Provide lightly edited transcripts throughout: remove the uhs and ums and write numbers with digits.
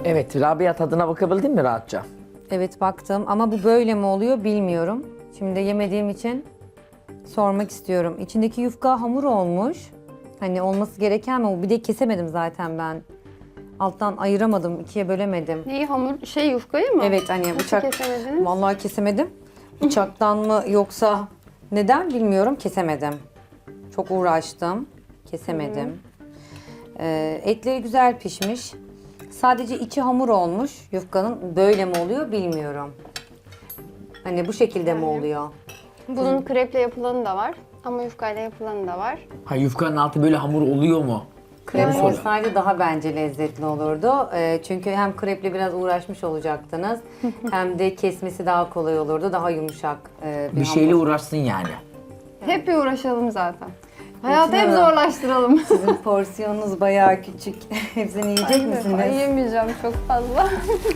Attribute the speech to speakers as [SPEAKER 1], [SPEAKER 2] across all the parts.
[SPEAKER 1] Evet, Rabia tadına bakabildin mi rahatça?
[SPEAKER 2] Evet baktım ama bu böyle mi oluyor bilmiyorum. Şimdi yemediğim için sormak istiyorum. İçindeki yufka hamur olmuş. Hani olması gereken mi? Bir de kesemedim zaten ben. Alttan ayıramadım, ikiye bölemedim.
[SPEAKER 3] Neyi hamur? Şey yufkayı mı?
[SPEAKER 2] Evet hani
[SPEAKER 3] Nasıl
[SPEAKER 2] bıçak...
[SPEAKER 3] kesemediniz?
[SPEAKER 2] Vallahi kesemedim. Bıçaktan mı yoksa neden bilmiyorum, kesemedim. Çok uğraştım, kesemedim. Etleri güzel pişmiş. Sadece içi hamur olmuş. Yufkanın böyle mi oluyor bilmiyorum. Hani bu şekilde mi oluyor?
[SPEAKER 3] Bunun kreple yapılanı da var. Ama yufkayla yapılanı da var.
[SPEAKER 1] Ha, yufkanın altı böyle hamur oluyor mu?
[SPEAKER 2] Krep
[SPEAKER 1] Yani-
[SPEAKER 2] olsaydı daha bence lezzetli olurdu. Çünkü hem kreple biraz uğraşmış olacaktınız. Hem de kesmesi daha kolay olurdu. Daha yumuşak bir
[SPEAKER 1] Bir şeyle
[SPEAKER 2] hamur.
[SPEAKER 1] uğraşsın yani.
[SPEAKER 3] Hep bir uğraşalım zaten. Hayatı hep
[SPEAKER 2] İçine bak.
[SPEAKER 3] zorlaştıralım.
[SPEAKER 2] Sizin porsiyonunuz bayağı küçük. Hepsini yiyecek misiniz?
[SPEAKER 3] Ay, yemeyeceğim çok fazla.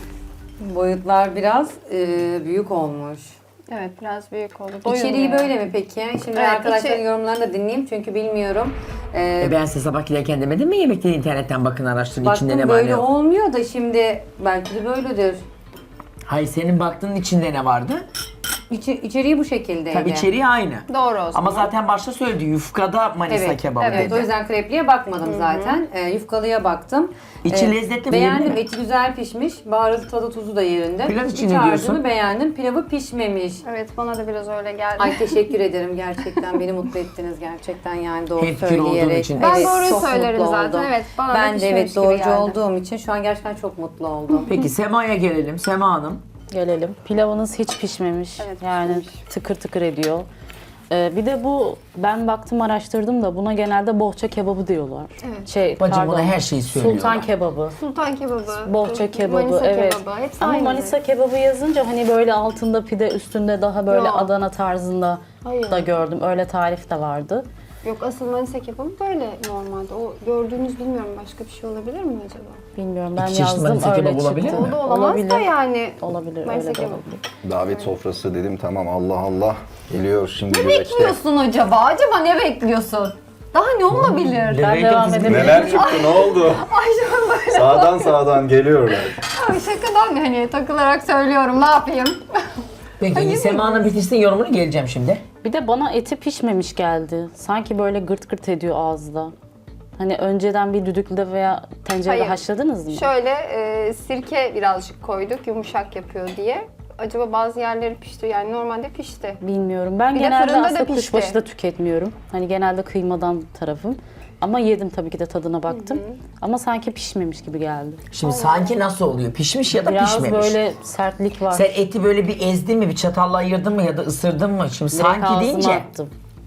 [SPEAKER 2] Boyutlar biraz büyük olmuş.
[SPEAKER 3] Evet biraz büyük oldu.
[SPEAKER 2] İçeriği
[SPEAKER 3] Doymuyor.
[SPEAKER 2] böyle mi peki? Şimdi
[SPEAKER 3] Evet,
[SPEAKER 2] arkadaşların
[SPEAKER 3] içi-
[SPEAKER 2] yorumlarını da dinleyeyim çünkü bilmiyorum.
[SPEAKER 1] Ben size sabah giderken demedim mi yemekleri internetten bakın araştırın içinde
[SPEAKER 2] Baktım
[SPEAKER 1] ne var ne
[SPEAKER 2] böyle
[SPEAKER 1] yok.
[SPEAKER 2] olmuyor da şimdi belki de böyledir.
[SPEAKER 1] Hayır, senin baktığın içinde ne vardı?
[SPEAKER 2] İçeriği bu şekildeydi.
[SPEAKER 1] Tabii içeriği aynı.
[SPEAKER 3] Doğru o zaman.
[SPEAKER 1] Ama zaten başta söyledi yufkada Manisa
[SPEAKER 2] Evet,
[SPEAKER 1] kebabı
[SPEAKER 2] evet.
[SPEAKER 1] dedi.
[SPEAKER 2] O yüzden krepliye bakmadım zaten. Yufkalıya baktım.
[SPEAKER 1] İçi lezzetli mi,
[SPEAKER 2] Beğendim.
[SPEAKER 1] yerinde mi?
[SPEAKER 2] Eti güzel pişmiş. Baharatı, tadı, tuzu da yerinde.
[SPEAKER 1] Pilav için
[SPEAKER 2] İç
[SPEAKER 1] ne
[SPEAKER 2] harcını
[SPEAKER 1] diyorsun?
[SPEAKER 2] beğendim. Pilavı pişmemiş.
[SPEAKER 3] Evet bana da biraz öyle geldi.
[SPEAKER 2] Ay teşekkür ederim gerçekten. Beni mutlu ettiniz gerçekten yani doğru
[SPEAKER 1] Hemfikir olduğun
[SPEAKER 2] söyleyerek.
[SPEAKER 1] için.
[SPEAKER 3] Ben
[SPEAKER 2] Evet,
[SPEAKER 3] doğruyu
[SPEAKER 2] çok
[SPEAKER 3] söylerim
[SPEAKER 2] mutlu
[SPEAKER 3] zaten.
[SPEAKER 2] oldum.
[SPEAKER 3] Evet, bana da
[SPEAKER 2] ben de
[SPEAKER 3] pişmemiş
[SPEAKER 2] evet
[SPEAKER 3] gibi
[SPEAKER 2] doğrucu
[SPEAKER 3] geldi.
[SPEAKER 2] olduğum için şu an gerçekten çok mutlu oldum.
[SPEAKER 1] Peki Sema'ya gelelim. Sema Hanım.
[SPEAKER 4] Gelelim. Pilavınız hiç pişmemiş.
[SPEAKER 3] Evet,
[SPEAKER 4] yani
[SPEAKER 3] pişmemiş.
[SPEAKER 4] tıkır tıkır ediyor. Bir de bu ben baktım araştırdım da buna genelde bohça kebabı diyorlar.
[SPEAKER 3] Evet.
[SPEAKER 1] Bacım buna her şeyi söylüyorlar.
[SPEAKER 4] Sultan kebabı,
[SPEAKER 3] Sultan kebabı,
[SPEAKER 4] bohça kebabı,
[SPEAKER 3] Manisa
[SPEAKER 4] evet.
[SPEAKER 3] kebabı. Hepsi
[SPEAKER 4] Ama
[SPEAKER 3] aynı.
[SPEAKER 4] Manisa kebabı yazınca hani böyle altında pide, üstünde daha böyle
[SPEAKER 3] Yok.
[SPEAKER 4] Adana tarzında
[SPEAKER 3] Hayır.
[SPEAKER 4] da gördüm. Öyle tarif de vardı.
[SPEAKER 3] Yok asıl Manisa kebabı böyle normalde. O gördüğünüz bilmiyorum başka bir şey olabilir mi acaba?
[SPEAKER 4] Bilmiyorum ben
[SPEAKER 1] İki çeşit
[SPEAKER 4] yazdım
[SPEAKER 1] Manisa
[SPEAKER 4] öyle
[SPEAKER 1] kebabı
[SPEAKER 4] çıktı.
[SPEAKER 1] olabilir mi?
[SPEAKER 3] O da olamaz da yani.
[SPEAKER 4] Olabilir,
[SPEAKER 3] Manisa
[SPEAKER 4] öyle de
[SPEAKER 3] kebabı.
[SPEAKER 4] olabilir.
[SPEAKER 5] Davet sofrası dedim tamam Allah Allah geliyor şimdi
[SPEAKER 3] Ne
[SPEAKER 5] güveçte.
[SPEAKER 3] bekliyorsun acaba? Acaba ne bekliyorsun? Daha ne olabilir?
[SPEAKER 4] Ben
[SPEAKER 1] Demek
[SPEAKER 4] devam
[SPEAKER 1] ki biz-
[SPEAKER 4] edebilirim.
[SPEAKER 5] Neler çıktı ne oldu? Sağdan geliyorlar.
[SPEAKER 3] Abi şakadan hani takılarak söylüyorum ne yapayım?
[SPEAKER 1] Peki Sema Hanım bitirsin yorumunu, geleceğim şimdi.
[SPEAKER 4] Bir de bana eti pişmemiş geldi. Sanki böyle gırt gırt ediyor ağızda. Hani önceden bir düdüklüde veya tencerede
[SPEAKER 3] Hayır.
[SPEAKER 4] haşladınız mı?
[SPEAKER 3] Şöyle sirke birazcık koyduk yumuşak yapıyor diye. Acaba bazı yerleri pişti yani normalde pişti.
[SPEAKER 4] Bilmiyorum. Ben
[SPEAKER 3] Bir de
[SPEAKER 4] genelde
[SPEAKER 3] fırında da
[SPEAKER 4] aslında
[SPEAKER 3] pişti.
[SPEAKER 4] kuşbaşı da tüketmiyorum. Hani genelde kıymadan tarafım. Ama yedim tabii ki de tadına baktım. Ama sanki pişmemiş gibi geldi.
[SPEAKER 1] Şimdi sanki nasıl oluyor? Pişmiş ya da
[SPEAKER 4] Biraz
[SPEAKER 1] pişmemiş.
[SPEAKER 4] böyle sertlik var.
[SPEAKER 1] Sen eti böyle bir ezdin mi, bir çatalla ayırdın mı ya da ısırdın mı? Şimdi
[SPEAKER 4] Direkt
[SPEAKER 1] sanki
[SPEAKER 4] ağzıma
[SPEAKER 1] deyince
[SPEAKER 4] attım.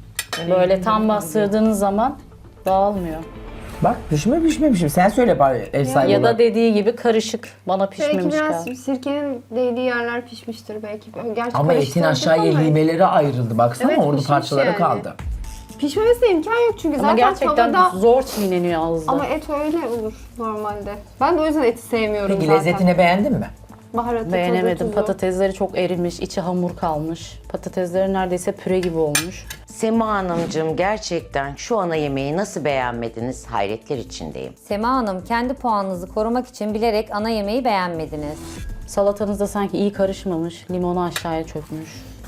[SPEAKER 4] Böyle tam bastırdığınız zaman dağılmıyor.
[SPEAKER 1] bak pişmemişim. Sen söyle bari ev sahibi
[SPEAKER 4] Ya da
[SPEAKER 1] olarak.
[SPEAKER 4] dediği gibi karışık. Bana
[SPEAKER 3] Belki
[SPEAKER 4] pişmemiş
[SPEAKER 3] biraz
[SPEAKER 4] geldi.
[SPEAKER 3] sirkenin değdiği yerler pişmiştir belki. Gerçi
[SPEAKER 1] Ama etin
[SPEAKER 3] karıştırdık
[SPEAKER 1] aşağıya
[SPEAKER 3] ama
[SPEAKER 1] limeleri ayrıldı. Baksana
[SPEAKER 3] Evet,
[SPEAKER 1] orada
[SPEAKER 3] pişmiş
[SPEAKER 1] parçaları
[SPEAKER 3] yani.
[SPEAKER 1] kaldı.
[SPEAKER 3] Pişmemesine imkan yok çünkü
[SPEAKER 4] Ama
[SPEAKER 3] zaten
[SPEAKER 4] gerçekten
[SPEAKER 3] tavada...
[SPEAKER 4] zor çiğneniyor ağızda.
[SPEAKER 3] Ama et öyle olur normalde. Ben de o yüzden eti sevmiyorum
[SPEAKER 1] Peki
[SPEAKER 3] zaten.
[SPEAKER 1] lezzetini beğendin mi?
[SPEAKER 3] Baharatı,
[SPEAKER 4] Beğenemedim.
[SPEAKER 3] tuzu.
[SPEAKER 4] Patatesleri çok erimiş, içi hamur kalmış. Patatesleri neredeyse püre gibi olmuş.
[SPEAKER 6] Sema Hanımcığım gerçekten şu ana yemeği nasıl beğenmediniz? Hayretler içindeyim.
[SPEAKER 2] Sema Hanım kendi puanınızı korumak için bilerek ana yemeği beğenmediniz.
[SPEAKER 4] Salatanız da sanki iyi karışmamış. Limonu aşağıya çökmüş.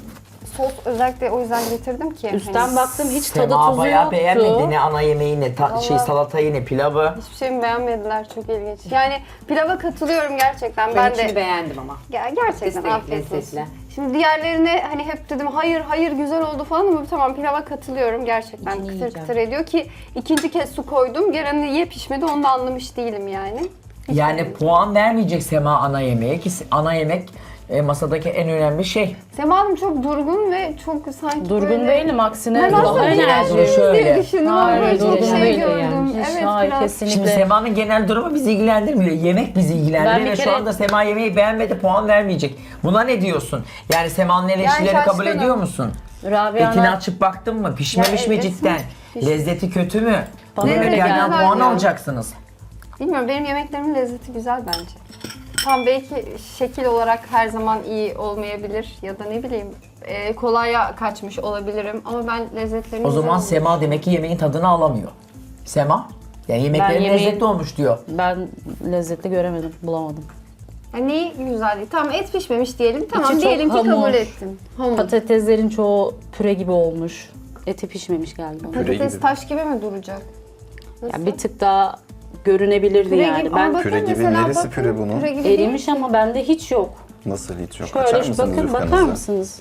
[SPEAKER 3] Sos özellikle o yüzden getirdim ki.
[SPEAKER 4] Üstten
[SPEAKER 3] hani
[SPEAKER 4] baktım hiç tadı
[SPEAKER 1] Sema
[SPEAKER 4] tuzu
[SPEAKER 1] bayağı
[SPEAKER 4] yoktu.
[SPEAKER 1] beğenmedi. Ne ana yemeği ne salatayı ne pilavı.
[SPEAKER 3] hiçbir şeyimi beğenmediler. Çok ilginç. Yani pilava katılıyorum gerçekten.
[SPEAKER 2] Ben
[SPEAKER 3] Ben
[SPEAKER 2] içini
[SPEAKER 3] de
[SPEAKER 2] beğendim ama.
[SPEAKER 3] gerçekten
[SPEAKER 2] Patatesle
[SPEAKER 3] afiyet olsun.
[SPEAKER 2] lezzetli.
[SPEAKER 3] Şimdi diğerlerine hani hep dedim hayır güzel oldu falan ama tamam pilava katılıyorum gerçekten
[SPEAKER 4] İçini
[SPEAKER 3] kıtır
[SPEAKER 4] yiyeceğim.
[SPEAKER 3] kıtır ediyor ki ikinci kez su koydum. Gene niye pişmedi onu da anlamış değilim yani.
[SPEAKER 1] Yani puan vermeyecek Sema ana yemeğe ki ana yemek masadaki en önemli şey.
[SPEAKER 3] Sema Hanım çok durgun ve çok sanki
[SPEAKER 4] Durgun
[SPEAKER 3] böyle...
[SPEAKER 4] değilim aksine
[SPEAKER 3] Ben
[SPEAKER 4] daha
[SPEAKER 3] aslında
[SPEAKER 4] enerjiyim.
[SPEAKER 1] Şöyle.
[SPEAKER 3] diğerleriniz diye düşündüm ama
[SPEAKER 4] Hayır,
[SPEAKER 3] böyle çok
[SPEAKER 4] durgun
[SPEAKER 3] şey
[SPEAKER 4] değilim
[SPEAKER 3] gördüm.
[SPEAKER 4] yani. Hiç,
[SPEAKER 3] Evet
[SPEAKER 4] hayır,
[SPEAKER 3] biraz.
[SPEAKER 4] kesinlikle.
[SPEAKER 1] Şimdi Sema'nın genel durumu bizi ilgilendirmiyor. Yemek bizi
[SPEAKER 4] Ben
[SPEAKER 1] ilgilendiriyor
[SPEAKER 4] bir
[SPEAKER 1] ve şu
[SPEAKER 4] kere-
[SPEAKER 1] anda Sema yemeği beğenmedi, puan vermeyecek. Buna ne diyorsun? Yani Sema'nın eleştirileri kabul
[SPEAKER 3] şaşkınım.
[SPEAKER 1] ediyor musun?
[SPEAKER 4] Rabia'na
[SPEAKER 1] Etini açıp baktın mı? Pişmemiş
[SPEAKER 3] Ya,
[SPEAKER 1] mi
[SPEAKER 3] evet.
[SPEAKER 1] cidden? Lezzeti kötü mü?
[SPEAKER 4] Bana
[SPEAKER 1] Bu
[SPEAKER 4] öyle
[SPEAKER 1] yemeklerden
[SPEAKER 3] geldi.
[SPEAKER 1] puan
[SPEAKER 3] Ya.
[SPEAKER 1] alacaksınız.
[SPEAKER 3] Bilmiyorum benim yemeklerimin lezzeti güzel bence. Tam belki şekil olarak her zaman iyi olmayabilir ya da ne bileyim kolaya kaçmış olabilirim ama ben lezzetlerini
[SPEAKER 1] O zaman
[SPEAKER 3] güzel
[SPEAKER 1] Sema demek ki yemeğin tadını alamıyor. Sema? Yani yemeklerin
[SPEAKER 4] yemeği-
[SPEAKER 1] lezzetli olmuş diyor.
[SPEAKER 4] Ben lezzetli göremedim, bulamadım.
[SPEAKER 3] Yani neyi güzel değil? Tamam et pişmemiş diyelim. Tamam
[SPEAKER 4] çok
[SPEAKER 3] diyelim ki
[SPEAKER 4] hamur.
[SPEAKER 3] kabul ettim. Hamur.
[SPEAKER 4] Patateslerin çoğu püre gibi olmuş. Eti pişmemiş geldi bana.
[SPEAKER 3] Patates
[SPEAKER 5] gibi.
[SPEAKER 3] taş gibi mi duracak? Nasıl?
[SPEAKER 4] Yani bir tık daha görünebilirdi
[SPEAKER 3] Püre
[SPEAKER 4] yani.
[SPEAKER 3] gibi.
[SPEAKER 4] Ben
[SPEAKER 3] Ama bakın
[SPEAKER 5] Püre gibi,
[SPEAKER 3] mesela
[SPEAKER 5] neresi
[SPEAKER 3] bakın,
[SPEAKER 5] püre bunun?
[SPEAKER 3] Püre gibi
[SPEAKER 4] erimiş
[SPEAKER 3] değil.
[SPEAKER 4] ama bende hiç yok.
[SPEAKER 5] Nasıl hiç yok? Açar
[SPEAKER 4] Şöyle
[SPEAKER 5] mısınız
[SPEAKER 4] bakın, bakar
[SPEAKER 5] yufkanızı?
[SPEAKER 4] mısınız?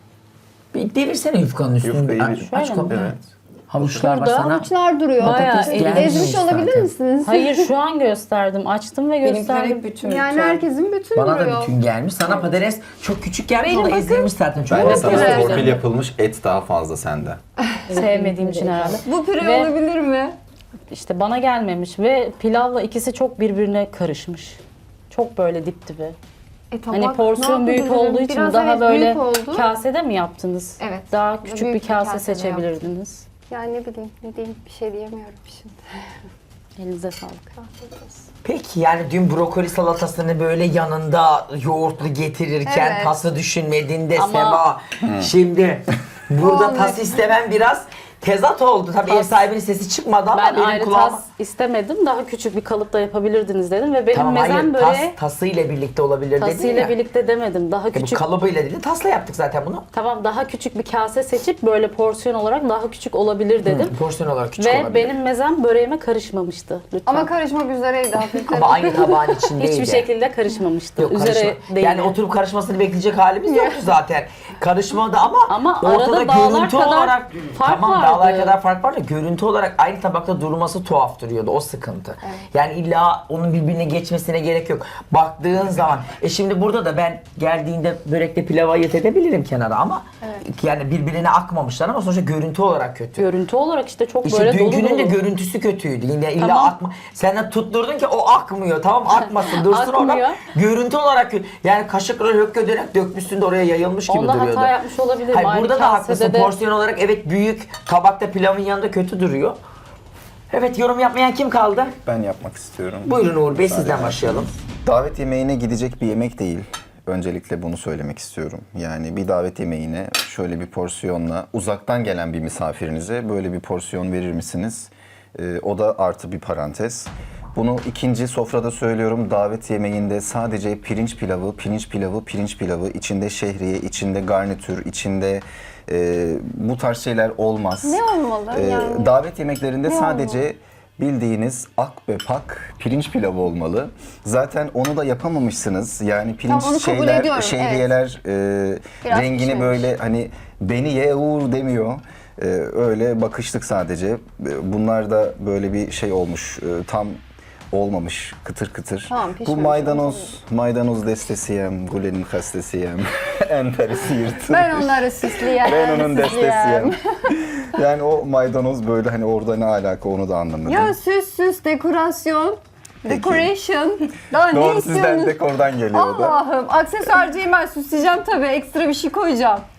[SPEAKER 1] Bir devirsene yufkanın üstünü.
[SPEAKER 5] Yufkayı
[SPEAKER 1] Aç,
[SPEAKER 5] bir-
[SPEAKER 1] aç
[SPEAKER 4] Şöyle mi?
[SPEAKER 1] kapağı.
[SPEAKER 5] Evet.
[SPEAKER 1] Havuçlar var
[SPEAKER 4] Şurada
[SPEAKER 1] sana.
[SPEAKER 3] Havuçlar duruyor.
[SPEAKER 4] Bayağı
[SPEAKER 1] Patates
[SPEAKER 4] erimiş.
[SPEAKER 1] gelmemiş
[SPEAKER 3] Ezmiş olabilir
[SPEAKER 1] zaten.
[SPEAKER 3] misiniz?
[SPEAKER 4] Hayır şu an gösterdim. Açtım ve
[SPEAKER 2] Benimkiler
[SPEAKER 4] gösterdim.
[SPEAKER 2] hep bütün.
[SPEAKER 3] Yani herkesin bütün
[SPEAKER 1] Bana
[SPEAKER 3] duruyor.
[SPEAKER 1] da bütün gelmiş. Sana patates çok küçük gelmiş.
[SPEAKER 3] Benim
[SPEAKER 1] O da
[SPEAKER 3] bakın-
[SPEAKER 1] ezilmiş zaten. Çok
[SPEAKER 5] Bence
[SPEAKER 3] Evet,
[SPEAKER 5] sana
[SPEAKER 3] evet.
[SPEAKER 5] torpil yapılmış et daha fazla sende.
[SPEAKER 4] Sevmediğim için herhalde.
[SPEAKER 3] Bu püre
[SPEAKER 4] Ve-
[SPEAKER 3] olabilir mi?
[SPEAKER 4] İşte bana gelmemiş ve pilavla ikisi çok birbirine karışmış. Çok böyle dip dibi.
[SPEAKER 3] Tabak
[SPEAKER 4] Hani porsiyon
[SPEAKER 3] ne
[SPEAKER 4] büyük
[SPEAKER 3] yapabilirim?
[SPEAKER 4] olduğu için
[SPEAKER 3] Biraz
[SPEAKER 4] daha
[SPEAKER 3] evet,
[SPEAKER 4] böyle
[SPEAKER 3] büyük oldu.
[SPEAKER 4] kasede mi yaptınız?
[SPEAKER 3] Evet.
[SPEAKER 4] Daha küçük
[SPEAKER 3] Büyük
[SPEAKER 4] bir
[SPEAKER 3] bir
[SPEAKER 4] kase
[SPEAKER 3] kasede
[SPEAKER 4] seçebilirdiniz.
[SPEAKER 3] Yani ne bileyim, ne diyeyim, bir şey diyemiyorum şimdi.
[SPEAKER 4] Elinize sağlık.
[SPEAKER 3] Afiyet olsun.
[SPEAKER 1] Peki yani dün brokoli salatasını böyle yanında yoğurtlu getirirken
[SPEAKER 3] Evet.
[SPEAKER 1] tası düşünmediğinde
[SPEAKER 4] Ama-
[SPEAKER 1] Sema şimdi burada
[SPEAKER 3] Olmadı.
[SPEAKER 1] tas istemem biraz tezat oldu. Tabii ev sahibinin sesi çıkmadı ama
[SPEAKER 4] Ben
[SPEAKER 1] benim
[SPEAKER 4] ayrı
[SPEAKER 1] kulağıma...
[SPEAKER 4] tas istemedim. Daha küçük bir kalıpta yapabilirdiniz dedim ve benim
[SPEAKER 1] Tamam hayır
[SPEAKER 4] mezem böreği
[SPEAKER 1] tasıyla birlikte olabilir dedin
[SPEAKER 4] tasıyla
[SPEAKER 1] ya.
[SPEAKER 4] birlikte demedim. Daha
[SPEAKER 1] Bu
[SPEAKER 4] küçük.
[SPEAKER 1] kalıbıyla değil tasla yaptık zaten bunu.
[SPEAKER 4] Tamam, daha küçük bir kase seçip böyle porsiyon olarak daha küçük olabilir dedim.
[SPEAKER 1] Porsiyon olarak küçük
[SPEAKER 4] Ve
[SPEAKER 1] olabilir.
[SPEAKER 4] benim mezem böreğime karışmamıştı. Lütfen.
[SPEAKER 3] Ama karışmak üzereydi hafiften.
[SPEAKER 1] Ama aynı tabağın içindeydi.
[SPEAKER 4] Hiçbir şekilde karışmamıştı.
[SPEAKER 1] Yok,
[SPEAKER 4] Üzere
[SPEAKER 1] karışma.
[SPEAKER 4] değil.
[SPEAKER 1] Yani oturup karışmasını bekleyecek halimiz yoktu zaten. Karışmadı ama
[SPEAKER 4] arada
[SPEAKER 1] ortada
[SPEAKER 4] dağlar
[SPEAKER 1] görüntü
[SPEAKER 4] kadar
[SPEAKER 1] olarak
[SPEAKER 4] fark
[SPEAKER 1] tamam
[SPEAKER 4] vardı.
[SPEAKER 1] dağlar kadar fark var da görüntü olarak aynı tabakta durması tuhaf duruyordu. O sıkıntı. Yani illa onun birbirine geçmesine gerek yok. Baktığın zaman şimdi burada da ben geldiğinde börekte pilava ayırt edebilirim kenara ama yani birbirine akmamışlar ama sonuçta görüntü olarak kötü.
[SPEAKER 4] Görüntü olarak işte çok
[SPEAKER 1] İşte
[SPEAKER 4] böyle dolu
[SPEAKER 1] dünkünün de
[SPEAKER 4] dolu.
[SPEAKER 1] görüntüsü kötüydü. Yine illa
[SPEAKER 4] Tamam.
[SPEAKER 1] akma. Sen de tutturdun ki o akmıyor. Tamam akmasın dursun
[SPEAKER 4] Akmıyor.
[SPEAKER 1] orada. Görüntü olarak kötü. Yani kaşıkla hökke dönerek dökmüşsün de oraya yayılmış gibi
[SPEAKER 4] Onda
[SPEAKER 1] duruyordu.
[SPEAKER 4] hata yapmış olabilirim.
[SPEAKER 1] Hayır
[SPEAKER 4] Aynı
[SPEAKER 1] burada da
[SPEAKER 4] kasede
[SPEAKER 1] haklısın.
[SPEAKER 4] de-
[SPEAKER 1] Porsiyon olarak evet büyük. Tabakta pilavın yanında kötü duruyor. Evet yorum yapmayan kim kaldı?
[SPEAKER 5] Ben yapmak istiyorum.
[SPEAKER 1] Buyurun Uğur Bey
[SPEAKER 5] Müsaade
[SPEAKER 1] sizden
[SPEAKER 5] ederseniz.
[SPEAKER 1] başlayalım.
[SPEAKER 5] Davet yemeğine gidecek bir yemek değil. Öncelikle bunu söylemek istiyorum. Yani bir davet yemeğine şöyle bir porsiyonla uzaktan gelen bir misafirinize böyle bir porsiyon verir misiniz? O da artı bir parantez. Bunu ikinci sofrada söylüyorum. Davet yemeğinde sadece pirinç pilavı, pirinç pilavı, pirinç pilavı, içinde şehriye, içinde garnitür, içinde bu tarz şeyler olmaz.
[SPEAKER 3] Ne olmalı yani?
[SPEAKER 5] Davet yemeklerinde
[SPEAKER 3] Ne
[SPEAKER 5] sadece bildiğiniz ak ve pak pirinç pilavı olmalı. Zaten onu da yapamamışsınız. Yani pirinç
[SPEAKER 3] Tamam, onu kabul ediyorum,
[SPEAKER 5] şehriyeler
[SPEAKER 3] Biraz
[SPEAKER 5] rengini
[SPEAKER 3] pişmemiş.
[SPEAKER 5] böyle hani beni ye Uğur demiyor. Öyle bakıştık sadece. Bunlar da böyle bir şey olmuş. Tam olmamış kıtır kıtır.
[SPEAKER 3] Tamam,
[SPEAKER 5] Bu
[SPEAKER 3] pişmemiş,
[SPEAKER 5] maydanoz destesiyem, gulenin kastesiyem, enterisi yırtılmış.
[SPEAKER 3] Ben onları süsleyeyim.
[SPEAKER 5] Ben onun
[SPEAKER 3] süsleyeyim.
[SPEAKER 5] destesiyem. Yani o maydanoz böyle hani orada ne alaka onu da anlamadım.
[SPEAKER 3] Ya süs, dekorasyon, decoration. Daha ne
[SPEAKER 5] Doğru sizden
[SPEAKER 3] istiyorsunuz?
[SPEAKER 5] dekordan geliyor o da.
[SPEAKER 3] Allah'ım, aksesuarcıyım ben, süsleyeceğim tabii. Ekstra bir şey koyacağım.